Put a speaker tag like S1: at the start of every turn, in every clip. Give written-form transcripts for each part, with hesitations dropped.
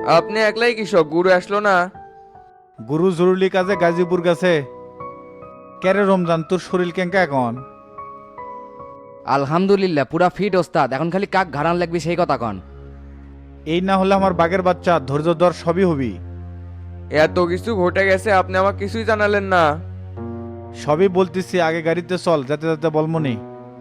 S1: আপনি একলাই কৃষক, গুরু আসলো না?
S2: গুরু জরুরি কাজে গাজীপুর গেছে। কেরে রমজান, তোর শরীর কেঙ্কা এখন?
S3: আলহামদুলিল্লাহ পুরা ফিট ওস্তাদ, এখন খালি কাক ঘাড়ান লাগবে সেই কথা কন।
S2: এই না হলে আমার বাঘের বাচ্চা, ধৈর্য ধর, সবই হবি।
S1: এত কিছু ঘটে গেছে, আপনি আমাকে কিছুই জানালেন না।
S2: সবই বলতেছি, আগে গাড়িতে চল, যাতে যাতে বলমনি।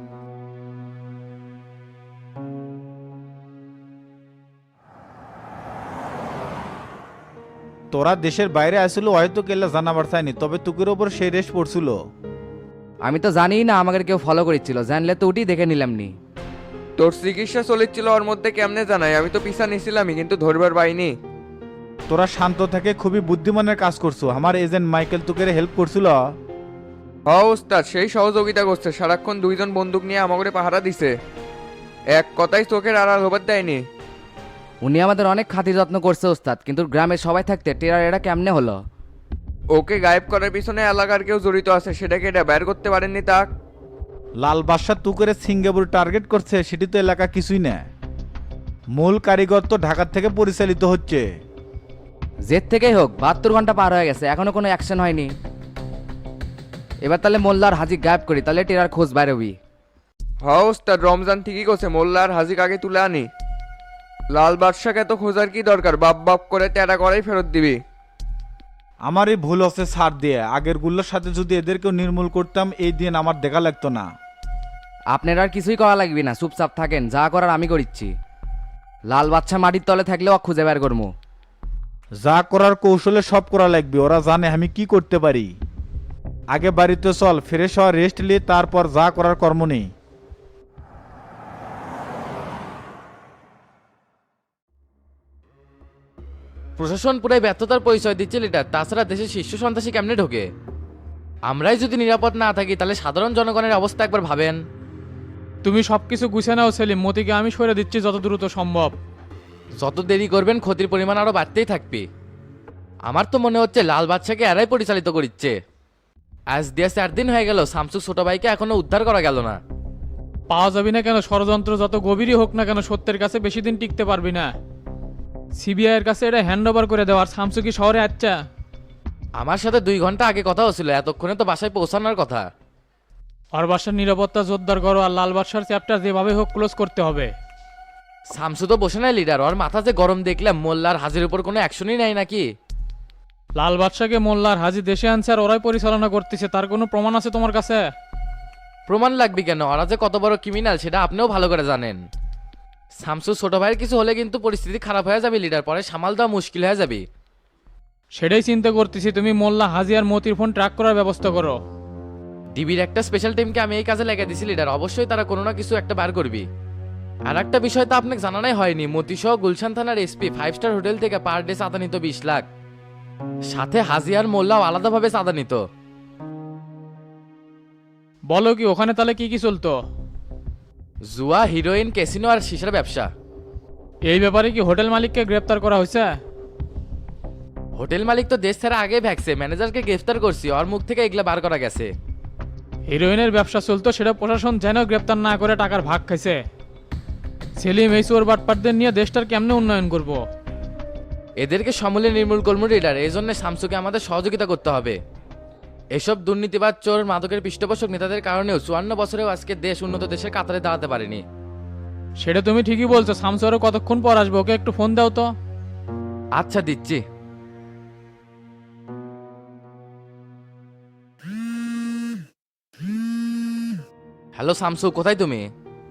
S2: তোরা দেশের বাইরে আসছিল হয়তো কেল্লা জানাবার চাইনি, তবে তুকের ওপর সেই রেশ পড়ছিল।
S3: আমি তো জানিই না আমাকে কেউ ফলো করেছিল, জানলে তো উঠি দেখে নিলাম নি।
S1: তোর চিকিৎসা চলেছিল ওর মধ্যে, কেমনে জানাই? আমি তো পিছা নিছিলামই, কিন্তু ধরবার পাইনি।
S2: তোরা শান্ত থেকে খুবই বুদ্ধিমানের কাজ করছো। আমার এজেন্ট মাইকেল তুকের হেল্প করছিল।
S1: হ ওস্তাদ, সেই সহযোগিতা করছে। সারাক্ষণ দুইজন বন্দুক নিয়ে আমাকে পাহারা দিছে, এক কথাই চোখের আড়াল হবার দেয়নি।
S3: উনি আমাদের অনেক খাতির যত্ন করছে ওস্তাদ, কিন্তু গ্রামের সবাই থাকতে টেরার এটা কেমনে হলো?
S1: ওকে গায়েব করার পিছনে এলাকার কেউ জড়িত আছে, সেটাকে এটা বের করতে পারেননি তাক।
S2: লাল বাদশা তুকের সিঙ্গাপুর টার্গেট করছে, সেটি তো এলাকা কিছুই না। মূল কারিগর তো ঢাকার থেকে পরিচালিত হচ্ছে।
S3: জেদ থেকেই হোক 72 ঘন্টা পার হয়ে গেছে, এখনো কোনো অ্যাকশন হয়নি। এবার তাহলে মোল্লার হাজি গায়েব করি, তাহলে টেরার খোঁজ বাইরে হবি।
S1: হ ওস্তাদ, রমজান ঠিকই করছে, মোল্লা আর হাজিক আগে তুলে আনি। লাল বাদশাকে তো খোঁজার কি দরকার, বাপ বাপ করে তেরা করেই ফেরত দিবি।
S2: আমারই ভুল হচ্ছে ছাড় দিয়ে। আগের গুলোর সাথে যদি এদেরকেও নির্মূল করতাম, এই দিন আমার দেখা লাগতো না।
S3: আপনার আর কিছুই করা লাগবে না, চুপচাপ থাকেন, যা করার আমি করিচ্ছি। লাল বাচ্চা মাটির তলে থাকলেও খুঁজে বের করবো।
S2: যা করার কৌশলে সব করা লাগবে, ওরা জানে আমি কি করতে পারি। আগে বাড়িতে চল, ফ্রেশ হওয়া, রেস্ট নিয়ে তারপর যা করার কর্ম নেই।
S4: প্রশাসন পুরাই ব্যর্থতার পরিচয় দিচ্ছে লিডার। তাছাড়া দেশের শীর্ষ সন্ত্রাসী কেমনে ঢোকে? আমরাই যদি নিরাপদ না থাকি, তাহলে সাধারণ জনগণের অবস্থা একবার ভাবেন।
S5: তুমি সবকিছু গুছিয়ে নাও সেলিম, মতিকে আমি সরে দিচ্ছি যত দ্রুত সম্ভব।
S4: যত দেরি করবেন ক্ষতির পরিমাণ আরো বাড়তেই থাকবে। আমার তো মনে হচ্ছে লাল বাদশাকে এরাই পরিচালিত করিচ্ছে। আজ দিয়ে 4 দিন হয়ে গেল, শামসু ছোট ভাইকে এখনো উদ্ধার করা গেল না।
S5: পাওয়া যাবি না কেন? ষড়যন্ত্র যত গভীরই হোক না কেন, সত্যের কাছে বেশি দিন টিকতে পারবি না। সিবিআই এর কাছে এটা হ্যান্ড ওভার করে দেওয়ার। শামসু কি শহরে আচ্ছা?
S4: আমার সাথে 2 ঘন্টা আগে কথা হচ্ছিল, এতক্ষণে তো বাসায় পৌঁছানোর কথা।
S5: আর বাসার নিরাপত্তা জোরদার করো, আর লাল বাদশার চ্যাপ্টার যেভাবে হোক ক্লোজ করতে হবে।
S4: শামসু তো বসে নাই লিডার, ওর মাথা যে গরম দেখলাম। মোল্লার হাজির উপর কোনো অ্যাকশনই নাই নাকি?
S5: লাল বাদশাকে মোল্লার হাজি দেশে আনছে আর ওরাই পরিচালনা করতেছে, তার কোনো প্রমাণ আছে তোমার কাছে?
S4: প্রমাণ লাগবে কেন? ওরা যে কত বড় ক্রিমিনাল সেটা আপনিও ভালো করে জানেন। শামসু ছোট ভাইয়ের কিছু হলে কিন্তু পরিস্থিতি খারাপ হয়ে যাবে লিডার, পরে সামাল দেওয়া মুশকিল হয়ে যাবে।
S5: সেটাই চিন্তা করতেছি। তুমি মোল্লা হাজি আর মতির ফোন ট্র্যাক করার ব্যবস্থা করো।
S4: ডিবির একটা স্পেশাল টিমকে আমি এই কাজে লেগে দিছি লিডার, অবশ্যই তারা কোনো না কিছু একটা বার করবি। আর একটা বিষয় তো আপনাকে জানানোই হয়নি, মতিসহ গুলশান থানার এসপি 5 স্টার হোটেল থেকে পার ডে চাঁদা নিত 20 লাখ। সাথে হাজি আর মোল্লাও আলাদাভাবে চাঁদা নিত।
S5: বলো কি, ওখানে তাহলে কি কি চলতো?
S4: জুয়া, হিরোইন, ক্যাসিনো আর সিসার ব্যবসা।
S5: এই ব্যাপারে কি হোটেল মালিককে গ্রেপ্তার করা হয়েছে?
S4: হোটেল মালিক তো দেশ ছাড়া আগে ভ্যাকসে, ম্যানেজারকে গ্রেফতার করছি, ওর মুখ থেকে এগুলা বার করা গেছে।
S5: হিরোইনের ব্যবসা চলতো, সেটা প্রশাসন যেন গ্রেপ্তার না করে টাকার ভাগ খাইছে। সেলিম, এই চোর বাটপাটদের নিয়ে দেশটার কেমনে উন্নয়ন করব?
S4: এদেরকে সমূলে নির্মূল করবো লিডার, এই জন্য শামসুকে আমাদের সহযোগিতা করতে হবে। এসব দুর্নীতিবাদ, চোর, মাদকের পৃষ্ঠপোষক নেতাদের কারণেও 54 বছরেও আজকে দেশ উন্নত দেশের কাতারে দাঁড়াতে পারেনি।
S5: সেটা তুমি ঠিকই বলছো। শামসু আরো কতক্ষণ পর আসবো? ওকে একটু ফোন দাও তো।
S4: আচ্ছা, দিচ্ছি। হ্যালো শামসু, কোথায় তুমি?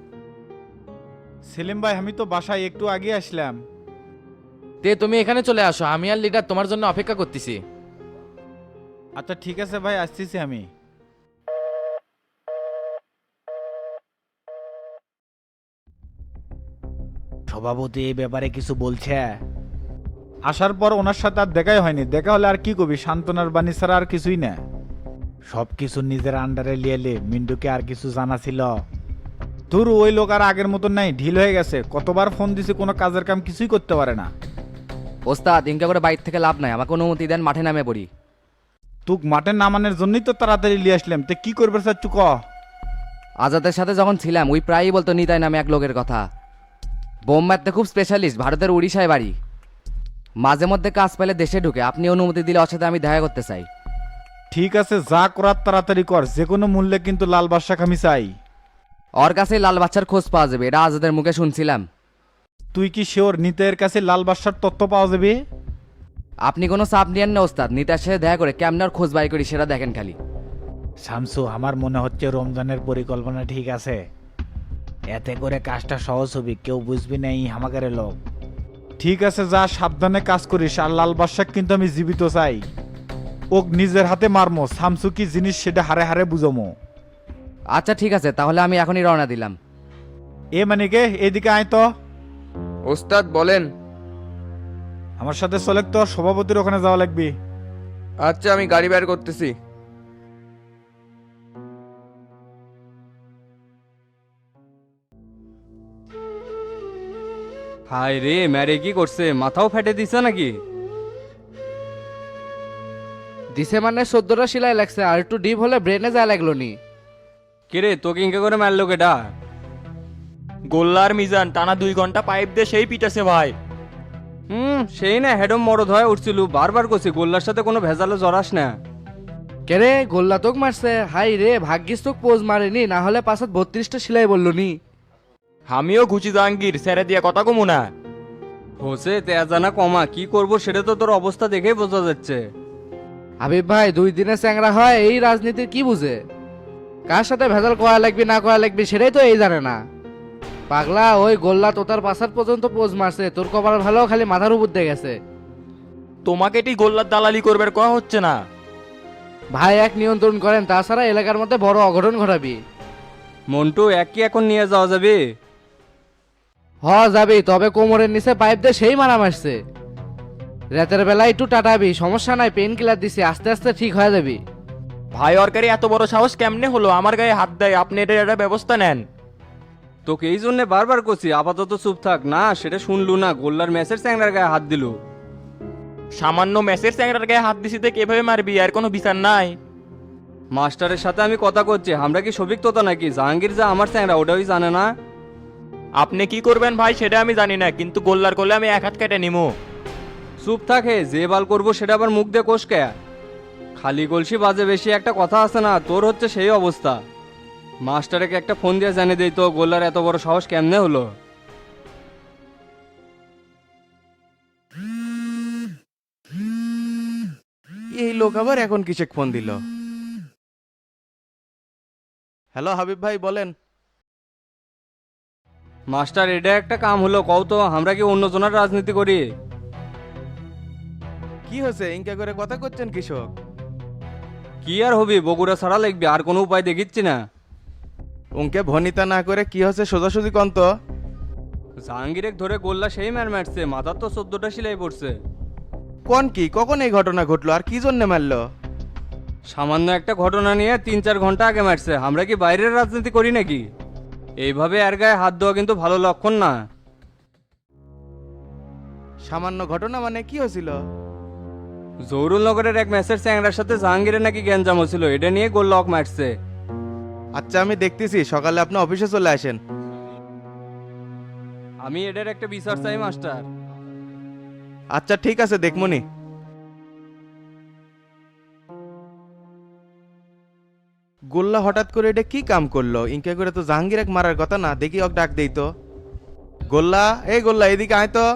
S2: সেলিম ভাই, আমি তো বাসায় একটু আগে আসলাম।
S4: তুমি এখানে চলে আসো, আমি আর লিডার তোমার জন্য অপেক্ষা করতেছি।
S2: আচ্ছা ঠিক আছে ভাই, আসতেছি আমি। সভাপতি এই ব্যাপারে কিছু বলছে? আসার পর ওনার সাথে আর দেখাই হয়নি। দেখা হলে আর কি কবি, সান্ত্বনার বাণী ছাড়া আর কিছুই না। সব কিছু নিজের আন্ডারে লিয়েলে মিন্টুকে আর কিছু জানা ছিল? তোর ওই লোক আর আগের মতন নাই, ঢিল হয়ে গেছে। কতবার ফোন দিছি, কোনো কাজের কাম কিছুই করতে পারে না।
S3: ওস্তাদ ইনকা করে বাইর থেকে লাভ নাই, আমাকে অনুমতি দেন, মাঠে নামে পড়ি।
S2: তুক মাঠে নামানোর জন্যই তো তাড়াতাড়ি লিয়ে আসলাম। তে কি করবে চাচ্ছু ক?
S3: আজাদের সাথে যখন ছিলাম ওই প্রায়ই বলতো নিতাই নামে এক লোকের কথা। বোম মারতে খুব স্পেশালিস্ট, ভারতের উড়িষ্যায় বাড়ি। মাঝে মধ্যে কাজ পেলে দেশে ঢুকে, আপনি অনুমতি দিলে ওর সাথে আমি দেখা করতে চাই।
S2: ঠিক আছে, যা করার তাড়াতাড়ি কর, যে কোনো মূল্যে কিন্তু লাল বাদশাকে আমি চাই।
S3: ওর কাছেই লাল বাচ্চার খোঁজ পাওয়া যাবে, এটা আজাদের মুখে শুনছিলাম।
S2: তুই কি শিওর নিতের কাছে লাল বাদশার তথ্য পাওয়া যাবে?
S3: আপনি কোনো চাপ নিয়েন না ওস্তাদ, নিতার সাথে দেখা করে কেমন ওর খোঁজ বাই করি সেটা দেখেন খালি।
S2: শামসু, আমার মনে হচ্ছে রমজানের পরিকল্পনা ঠিক আছে। এতে করে কাজটা সহজ হবে, কেউ বুঝবি না এই হামাকারের লোক। ঠিক আছে, যা সাবধানে কাজ করিস। আর লাল বাদশাক কিন্তু আমি জীবিত চাই। ওক নিজের হাতে মারমো, শামসু কি জিনিস সেটা হারে হারে বুঝমো।
S3: আচ্ছা ঠিক আছে, তাহলে আমি এখনই রওনা দিলাম।
S2: এ মানে কে, এদিকে আয় তো।
S1: ওস্তাদ বলেন।
S2: আমার সাথে চলে তো, সভাপতির ওখানে যাওয়া লাগবে।
S1: আচ্ছা, আমি গাড়ি বের করতেছি।
S6: হায় রে, ম্যারে কি করছে? মাথাও ফেটে দিছে নাকি?
S3: দিছে মানে 14টা সেলাই লাগছে, আর একটু ডিপ হলে ব্রেনে যায় লাগলো নি।
S6: কিরে, তোকে ইনকে করে মারলো কেডা?
S7: গোল্লার মিজান টানা 2 ঘন্টা পাইপ দিয়ে সেই পিটাছে ভাই।
S6: সেই না হেডম মরদ হয়ে উঠছিল, বারবার করছি গোল্লার সাথে কোনো ভেজালে জড়াস না।
S3: কেরে গোল্লা তোক মারছে? হাই রে, ভাগ্যিস তোক পোজ মারেনি, না হলে পাশাত 32টা সেলাই বললো নি।
S7: আমিও ঘুচি জাহাঙ্গীর ছেড়ে দিয়ে কথা কমু না।
S6: হোসে তেজানা কমা, কি করব সেটা তো তোর অবস্থা দেখেই বোঝা যাচ্ছে।
S3: হাবিব ভাই 2 দিনে চ্যাংরা হয়, এই রাজনীতির কি বুঝে? কার সাথে ভেজাল করা লাগবে না করা লাগবে সেটাই তো এই জানে না। পাগলা, ওই গোল্লা তোতার পাশার পর্যন্ত পোজ মারছে, তোর কপাল ভালো, খালি মাথার উপর দিয়ে গেছে।
S7: তোমাকে এটি গোল্লার দালালি করবার কয়া হচ্ছে না।
S3: ভাই এক নিয়ন্ত্রণ করেন, তাছাড়া এলাকার মধ্যে বড় অঘটন ঘটাবি।
S6: মন্টু, এক কি এখন নিয়ে যাওয়া যাবে?
S3: যাবি, তবে কোমরের নিচে পাইপ দিয়ে সেই মারা মারছে। রাতের বেলা একটু টাটাবি, সমস্যা নাই, পেন কিলার দিছি, আস্তে আস্তে ঠিক হয়ে যাবি।
S7: ভাই অরকারি এত বড় সাহস কেমনে হলো আমার গায়ে হাত দেয়? আপনি এটা একটা ব্যবস্থা নেন।
S6: তোকে এই জন্য বারবার করছি আপাতত চুপ থাক। না সেটা শুনলু না, গোল্লার ম্যাচের চ্যাংড়ার গায়ে হাত দিল।
S7: সামান্য ম্যাচের চ্যাংরার গায়ে হাত দিছি তো কিভাবে মারবি? আর কোনো বিচার নাই?
S6: মাস্টারের সাথে আমি কথা করছি, আমরা কি সবিক তোতা নাকি? জাহাঙ্গীর যা আমার চ্যাংড়া ওটাই জানে না।
S7: আপনি কি করবেন ভাই সেটা আমি জানি না, কিন্তু গোল্লার করলে আমি এক হাত কেটে নিমু।
S6: চুপ থাকে, যে বাল করবো সেটা আবার মুখ দিয়ে কোষ কে? খালি গলসি বাজে বেশি, একটা কথা আছে না, তোর হচ্ছে সেই অবস্থা। মাস্টারকে একটা ফোন দিয়ে জানিয়ে দিই তো, গোল্লার এত বড় সাহস কেমনে হলো?
S8: এই লোক আবার এখন কিসে ফোন দিল? হ্যালো হাবিব ভাই, বলেন।
S6: মাস্টার, এটা একটা কাম হলো কও তো, আমরা কি অন্যজনের রাজনীতি করি?
S8: কি হয়েছে, ইনকা করে কথা করছেন কৃষক?
S6: কি আর হবি, বগুড়া ছাড়া লাগবে, আর কোনো উপায় দেখিচ্ছি না।
S8: উনকে ভনিতা না করে কি হয়েছে সোজাসুজি কন তো।
S6: জাহাঙ্গীরেক ধরে গোল্লা সেই ম্যার মারছে, মাথার তো 14টা সেলাই পড়ছে।
S8: কোন কি, কখন এই ঘটনা ঘটলো আর কি জন্য মারলো?
S6: সামান্য একটা ঘটনা নিয়ে 3-4 ঘন্টা আগে মারছে। আমরা কি বাইরের রাজনীতি করি নাকি? এইভাবে এর গায়ে হাত দেওয়া কিন্তু ভালো লক্ষণ না।
S8: সামান্য ঘটনা মানে কি হয়েছিল?
S6: জহুরুল নগরের এক ম্যাচের চ্যাংড়ার সাথে জাহাঙ্গীরের নাকি গ্যাঞ্জাম ছিল, এটা নিয়ে গোল লক মারছে।
S8: আচ্ছা আমি দেখতেছি, সকালে আপনি অফিসে চলে আসেন।
S6: আমি এটার একটা বিচার চাই মাস্টার।
S8: আচ্ছা ঠিক আছে, দেখমনি। গোল্লা হঠাৎ করে এটা কি কাম করলো? ইনকা করে তো জাহাঙ্গীর এক মারার কথা না, দেখি ওক ডাক দেই তো। গোল্লা, এই গোল্লা এদিকে আয় তো।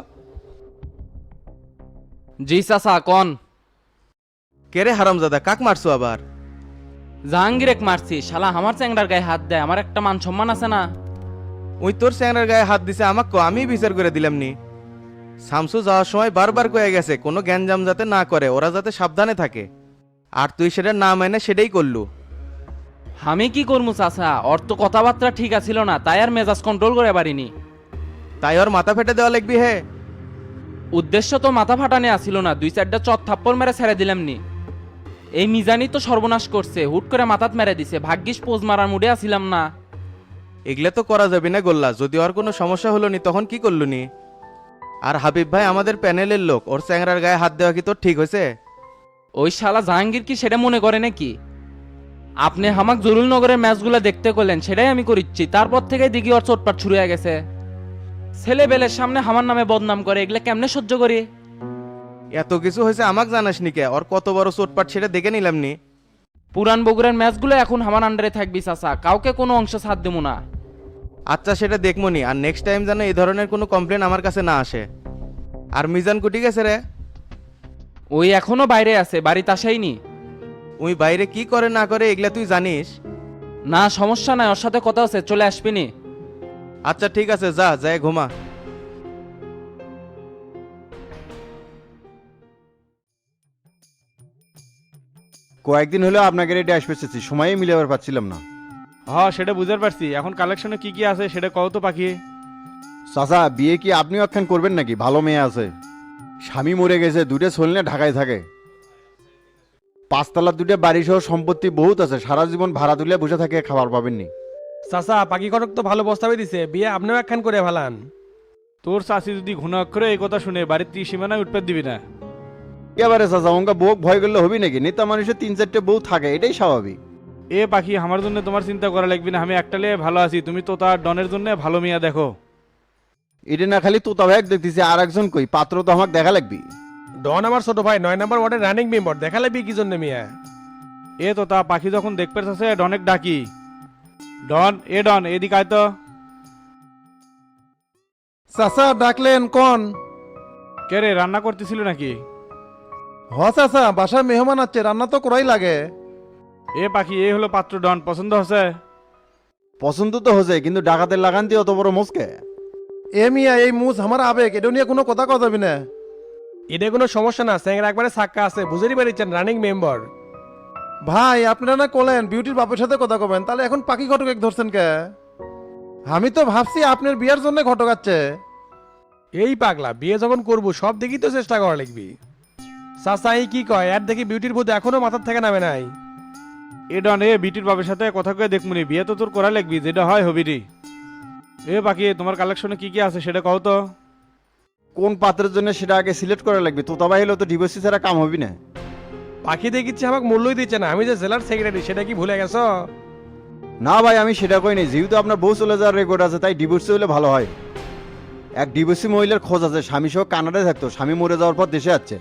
S9: জি চাচা কন।
S8: কেরে হারামজাদা, কাক মারছো আবার?
S9: জাহাঙ্গীরেক মারছি, শালা আমার চ্যাংড়ার গায়ে হাত দেয়, আমার একটা মান সম্মান আছে না?
S8: ওই তোর চ্যাংড়ার গায়ে হাত দিছে আমাকে, আমি বিচার করে দিলাম নি। শামসু যাওয়ার সময় বারবার কয়ে গেছে কোনো গ্যাঞ্জাম যাতে না করে, ওরা যাতে সাবধানে থাকে। আর তুই সেটা না মেনে সেটাই করলু।
S9: আমি কি করবো চাচা, ওর তো কথাবার্তা ঠিক আছিল না, তাই আর মেজাজ কন্ট্রোল করে পারিনি।
S8: তাই ওর মাথা ফেটে দেওয়া লাগবি হে?
S9: উদ্দেশ্য তো মাথা ফাটানে আসিল না, 2-4টা চট থাপ্পড় মেরে ছেড়ে দিলাম নি। এই মিজানি তো সর্বনাশ করছে, হুট করে মাথাত মেরে দিছে, ভাগ্যিস পোজ মারার মুডে আসিলাম না।
S8: এগুলো তো করা যাবে না গোল্লা, যদি ওর কোনো সমস্যা হলো নি তখন কি করলু নি? আর হাবিব ভাই আমাদের প্যানেলের লোক, ওর চ্যাংড়ার গায়ে হাত দেওয়া কি তোর ঠিক হয়েছে?
S9: ওই শালা জাহাঙ্গীর কি সেটা মনে করে নাকি? আপনি হামাক জরুল নগরের ম্যাচগুলো দেখতে করলেন, সেটাই আমি করিচ্ছি, তারপর থেকে দিঘি ওর চোটপাট শুরু হয়ে গেছে। ছেলেবেলের সামনে আমার নামে বদনাম করে, এগুলো কেমনে সহ্য করি?
S8: এত কিছু হয়েছে আমাকে জানাস নি কে? ওর কত বড় চোটপাট সেটা দেখে নিলাম নি।
S9: পুরান বগুড়ার ম্যাচগুলো এখন আমার আন্ডারে থাকবি চাচা, কাউকে কোনো অংশ ছাড় দেবো না।
S8: আচ্ছা সেটা দেখবো নি, আর নেক্সট টাইম যেন এই ধরনের কোনো কমপ্লেন আমার কাছে না আসে। আর মিজান কুটি গেছে রে?
S9: ওই এখনো বাইরে আছে, বাড়িতে আসাইনি।
S8: ওই বাইরে কি করে না করে এগুলা তুই জানিস?
S9: না সমস্যা নাই, ওর সাথে কথা আছে, চলে আসবিনি।
S8: আচ্ছা ঠিক আছে, যা যায় ঘুমা।
S10: কয়েকদিন হলো আপনাকে রেটে আসবে চেয়েছি, সময়ই মিলাবার পাচ্ছিলাম না।
S2: হ্যাঁ সেটা বুঝতে পারছি, এখন কালেকশনে কি কি আছে সেটা কও তো পাখি।
S10: চাচা বিয়ে কি আপনিও একখান করবেন নাকি? ভালো মেয়ে আছে, স্বামী মরে গেছে, দুটো ছেলে ঢাকায় থাকে, 5 তলার দুটো বাড়ি সহ সম্পত্তি বহুত আছে, সারা জীবন ভাড়া তুলে বসে থাকে, খাবার পাবেননি।
S11: চাচা পাখি কটক তো ভালো প্রস্তাবে দিছে, বিয়ে আপনিও একখান করে ফেলান।
S2: তোর চাষি যদি ঘন অক্ষরে এই কথা শুনে বাড়ির সীমানায় উঠতে দিবি না।
S10: এবারে চাচা অঙ্কা বউ ভয় করলে হবি নাকি? নেতা মানুষের 3-4টে বউ থাকে, এটাই স্বাভাবিক।
S2: এ পাখি, আমার জন্য তোমার চিন্তা করা লাগবে না, আমি একটা লিয়ে ভালো আছি, তুমি তো তার ডনের জন্য ভালো মিয়া দেখো।
S10: এটা না খালি তোতা ভাই দেখতেছি, আর একজন কই পাত্র তো আমাকে দেখা লাগবি।
S11: ডন আমার ছোট ভাই, 9 নম্বর ওয়ার্ডের রানিং মেম্বার, দেখালে বি কি জন্য মিয়া?
S2: এ তো তা পাখি যখন দেখতে চাচ্ছে ডনেক ডাকি। ডন, এ ডন এদিকে আয় তো।
S12: চাচা ডাকলেন কোন?
S2: কে রে, রান্না করতেছিল নাকি?
S12: হ চাচা, বাসায় মেহমান আছে, রান্না তো করাই লাগে।
S2: এ পাখি, এই হলো পাত্র ডন, পছন্দ হচ্ছে?
S10: পছন্দ তো হচ্ছে, কিন্তু ডাকাতের লাগান দিয়ে অত বড় মুসকে।
S12: এ মিয়া, এই মুজ আমার আবেগ, এটা নিয়ে কোনো কথা যাবি না।
S11: এটা কোনো সমস্যা না, স্যাংরা একবারে সাক্কা আছে, বুঝেরই পারিছেন রানিং মেম্বার।
S12: ভাই আপনারা না কলেন বিউটির বাপের সাথে কথা কবেন, তাহলে এখন পাখি ঘটক এক ধরছেন কে? আমি তো ভাবছি আপনার বিয়ের জন্য ঘটক আছে।
S11: এই পাগলা, বিয়ে যখন করবো সব দেখি তো চেষ্টা করা লাগবি। চাচা এই কি কয়, আর দেখি বিউটির ভূত এখনো মাথার থেকে নামে নাই।
S2: এ ডন, এ বিটির বাপের সাথে কথা কয়ে দেখমুনি, বিয়ে তো তোর করা লাগবি, যেটা হয় হবি রে। এ পাখি, তোমার কালেকশনে কি কি আছে সেটা কও তো।
S10: কোন পাত্রের জন্য সেটা আগে সিলেক্ট করা লাগবে, তোতা ভাই হলে তো ডিভোর্সি ছাড়া কাম হবি না।
S11: পাখি দেখিচ্ছে আমাকে মূল্যই দিচ্ছে না, আমি যে জেলার সেক্রেটারি সেটা কি ভুলে গেছো?
S10: না ভাই আমি সেটা কই নাই, যেহেতু আপনার বউ চলে যাওয়ার রেকর্ড আছে, তাই ডিভোর্সি হলে ভালো হয়। এক ডিভোর্সি মহিলার খোঁজ আছে, স্বামী সহ কানাডায় থাকতো, স্বামী মরে যাওয়ার পর দেশে যাচ্ছে,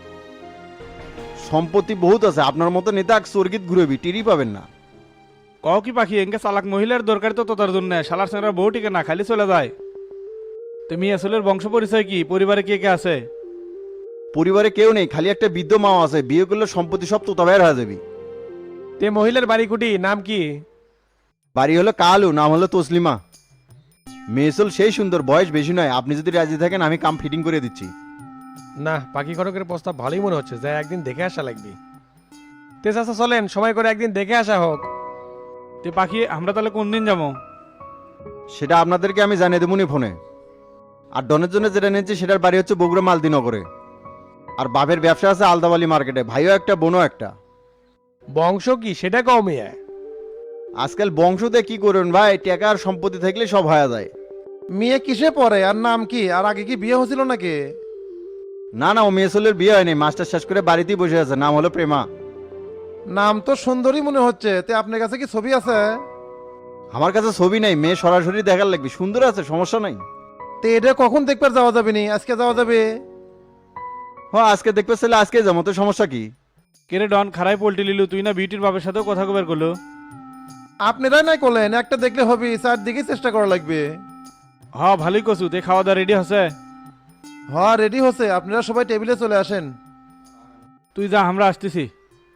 S10: সম্পত্তি বহুত আছে, আপনার মতো নেতা স্বর্গীত ঘুরবি, টিরি পাবেন না।
S2: কও কি পাখি, এনকে চালাক মহিলার দরকার তো তোতার জন্য, শালার সেনারা বউ টিকে না খালি চলে যায়। তুমি আসলের বংশ পরিচয় কি, পরিবারে কে কে আছে?
S10: পরিবারে কেউ নেই, খালি একটা বৃদ্ধ মা আছে, বিয়ে করলে সম্পত্তি সব তোতা ভাইয়ের হয়ে যাবি।
S11: তে মহিলার বাড়ি কুটি নাম কি?
S10: বাড়ি হলো কালু, নাম হলো তসলিমা। মেয়েসল সেই সুন্দর, বয়স বেশি নয়, আপনি যদি রাজি থাকেন আমি কাম ফিটিং করে দিচ্ছি।
S11: না, পাখি কটকের প্রস্তাব ভালোই মনে হচ্ছে, যাই একদিন দেখে আসা লাগবে। তে চাচা চলেন, সময় করে একদিন দেখে আসা হোক।
S2: তে পাখি, আমরা তাহলে কোন দিন যাবো?
S10: সেটা আপনাদেরকে আমি জানিয়ে দেবনি ফোনে। আর ডনের জন্য যেটা নিয়েছি সেটার বাড়ি হচ্ছে বগুড়া মালদিনগরে, আর বাপের ব্যবসা আছে আলদাবালি মার্কেটে, ভাইও একটা বোনও একটা।
S11: বংশ কি সেটা কও মিয়া?
S10: আজকাল বংশতে কি করবেন ভাই, টাকা আর সম্পত্তি থাকলে সব হয়ে যায়।
S12: মেয়ে কিসে পড়ে আর নাম কি? আর আগে কি বিয়ে হয়েছিল নাকি?
S10: না না, ও মেয়েসলের বিয়ে হয়নি, মাস্টার শেষ করে বাড়িতেই বসে আছে, নাম হলো প্রেমা।
S12: নাম তো সুন্দরী মনে হচ্ছে, তে আপনার কাছে কি ছবি আছে?
S10: আমার কাছে ছবি নাই, মেয়ে সরাসরি দেখার লাগবে, সুন্দর আছে, সমস্যা নাই।
S12: তে এটা কখন দেখবার যাওয়া যাবে নি? আজকে যাওয়া যাবে?
S10: হ্যাঁ আজকে দেখতে চাইলে আজকে যাবো, তো সমস্যা কি?
S2: কেরে ডন, খারাই পোল্টি লিলু, তুই না বিউটির বাপের সাথেও কথা কবার করলো?
S12: আপনারাই নাই করলেন, একটা দেখলে হবে, চারদিকে চেষ্টা করা লাগবে।
S2: হ্যাঁ ভালোই কছু, তে খাওয়া দাওয়া রেডি হচ্ছে?
S12: হ্যাঁ রেডি হচ্ছে, আপনারা সবাই টেবিলে চলে আসেন।
S2: তুই যা, আমরা আসতেছি।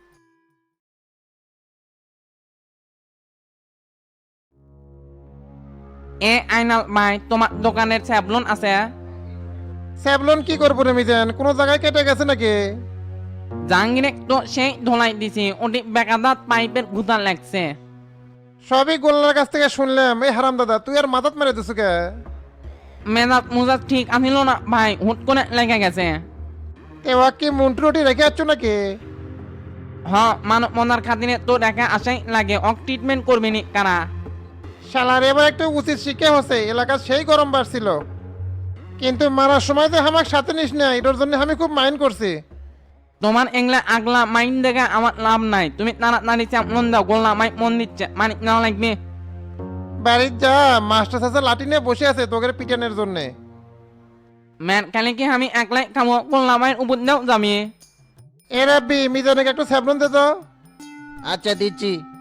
S9: এ আইনাল ভাই, তোমার দোকানের স্যাবলন আছে?
S12: স্যাবলন কি করবো রে মিজান, কোনো জায়গায় কেটে গেছে নাকি?
S9: জাহাঙ্গীরে তো সেই ধোলাই দিছি, ওটি বেকাদাত পাইপের গুতা লাগছে।
S12: সবই গোল্লার কাছ থেকে শুনলাম। এই হারাম দাদা, তুই আর মাথাত মেরে দিছু কে?
S9: মেজাজ মুজাজ ঠিক আছিল না ভাই, হুট করে লেগে গেছে।
S12: এবার কি মন্টু রুটি রেখে যাচ্ছ নাকি?
S9: হ, মানব মনার খাতিরে তো দেখা আসাই লাগে, অক ট্রিটমেন্ট করবি নি কারা?
S12: শালার এবার একটু উচিত শিক্ষা হচ্ছে, এলাকার সেই গরম বাড়ছিল, কিন্তু মারার সময় তো আমার সাথে নিস না, এটার জন্য আমি খুব মাইন্ড করছি।
S9: তোমার এংলা আগলা মাইন দেখে আমার লাভ নাই, তুমি তাড়াতাড়ি চাপলন দাও, গোল্লা মাই মন দিচ্ছে, মানে না লাগবে।
S12: বাড়ির যা, মাস্টার চাচা লাঠি নিয়ে বসে আছে তোকে পিটানোর জন্যে।
S9: ম্যান কালে কি আমি একলাই কামো করলাম উপর দাও জামিয়ে
S12: এ রাব্বি মিজানুকে একটু স্যাবলন দে তো।
S13: আচ্ছা দিচ্ছি।